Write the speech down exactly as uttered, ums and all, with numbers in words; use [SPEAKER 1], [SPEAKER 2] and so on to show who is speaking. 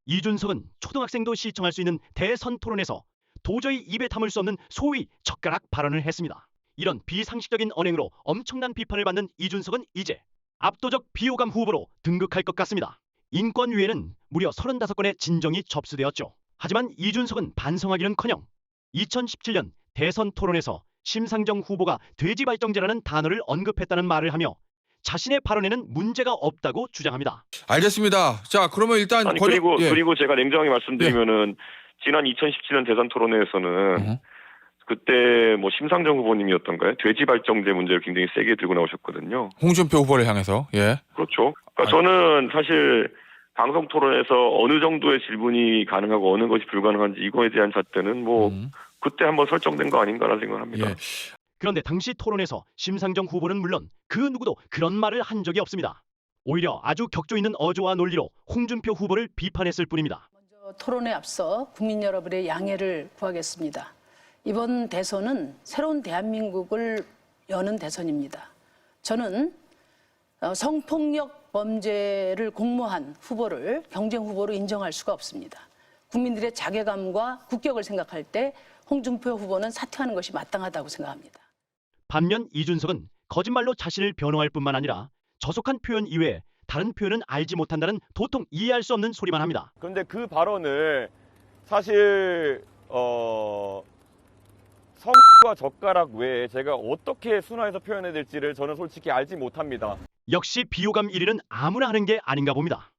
[SPEAKER 1] 이준석은 초등학생도 시청할 수 있는 대선 토론에서 도저히 입에 담을 수 없는 소위 젓가락 발언을 했습니다. 이런 비상식적인 언행으로 엄청난 비판을 받는 이준석은 이제 압도적 비호감 후보로 등극할 것 같습니다. 인권위에는 무려 서른다섯 건의 진정이 접수되었죠. 하지만 이준석은 반성하기는커녕 이천십칠 년 대선 토론에서 심상정 후보가 돼지발정제라는 단어를 언급했다는 말을 하며 자신의 발언에는 문제가 없다고 주장합니다.
[SPEAKER 2] 알겠습니다. 자, 그러면 일단
[SPEAKER 3] 아니
[SPEAKER 2] 권역-
[SPEAKER 3] 그리고
[SPEAKER 2] 예.
[SPEAKER 3] 그리고 제가 냉정하게 말씀드리면은 지난 이천십칠 년 대선 토론회에서는
[SPEAKER 2] 음.
[SPEAKER 3] 그때 뭐 심상정 후보님이었던가요? 돼지발정제 문제를 굉장히 세게 들고 나오셨거든요.
[SPEAKER 2] 홍준표 후보를 향해서 예.
[SPEAKER 3] 그렇죠. 그러니까
[SPEAKER 2] 아니.
[SPEAKER 3] 저는 사실 방송 토론에서 어느 정도의 질문이 가능하고 어느 것이 불가능한지 이거에 대한 잣대는 뭐
[SPEAKER 2] 음.
[SPEAKER 3] 그때 한번 설정된 거 아닌가라는 생각을 합니다.
[SPEAKER 2] 예.
[SPEAKER 1] 그런데 당시 토론에서 심상정 후보는 물론 그 누구도 그런 말을 한 적이 없습니다. 오히려 아주 격조 있는 어조와 논리로 홍준표 후보를 비판했을 뿐입니다.
[SPEAKER 4] 먼저 토론에 앞서 국민 여러분의 양해를 구하겠습니다. 이번 대선은 새로운 대한민국을 여는 대선입니다. 저는 성폭력 범죄를 공모한 후보를 경쟁 후보로 인정할 수가 없습니다. 국민들의 자괴감과 국격을 생각할 때 홍준표 후보는 사퇴하는 것이 마땅하다고 생각합니다.
[SPEAKER 1] 반면 이준석은 거짓말로 자신을 변호할 뿐만 아니라 저속한 표현 이외에 다른 표현은 알지 못한다는 도통 이해할 수 없는 소리만 합니다.
[SPEAKER 5] 그런데 그 발언을 사실 어... 성과 젓가락 외에 제가 어떻게 순화해서 표현해야 될지를 저는 솔직히 알지 못합니다.
[SPEAKER 1] 역시 비호감 일 위는 아무나 하는 게 아닌가 봅니다.